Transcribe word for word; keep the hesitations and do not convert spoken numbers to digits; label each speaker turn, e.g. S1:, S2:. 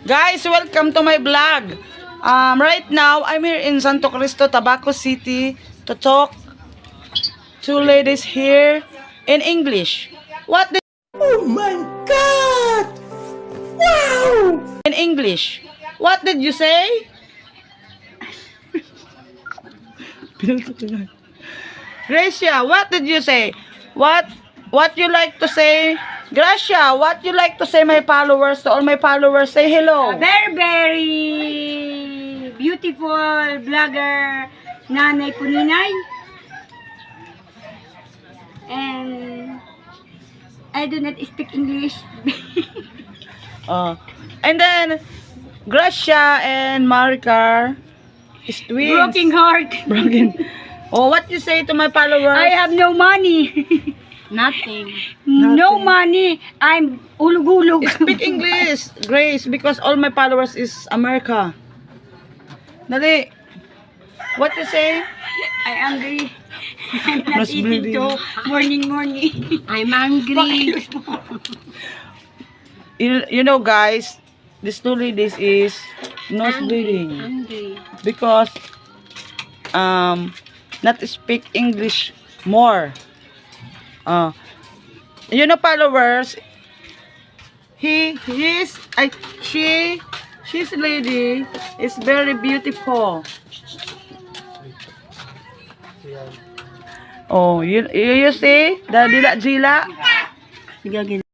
S1: Guys, welcome to my vlog. Um, right now, I'm here in Santo Cristo, Tabaco City to talk two ladies here in English. What did... Oh my God! Wow! In English. What did you say? Gracia, what did you say? What what you like to say? Gracia, what you like to say, my followers, to all my followers? Say hello.
S2: A very, very beautiful vlogger, Nanay Puninay. And I do not speak English.
S1: Uh, and then, Gracia and Maricar is twins.
S2: Broken heart.
S1: Broken. Oh, what you say to my followers?
S2: I have no money.
S3: Nothing.
S2: No money. I'm ulug-ulug.
S1: Speak English, Grace, because all my followers is America. Dali. What you say?
S2: I angry. I'm not
S1: Mas
S2: eating
S1: bleeding.
S2: to morning morning.
S3: I'm hungry.
S1: You, you know, guys, this two ladies is nose bleeding
S3: Hungry.
S1: because um not speak English more. Uh, you know, followers, he he's I she she's lady is very beautiful. Oh, you you, you see the dila jila.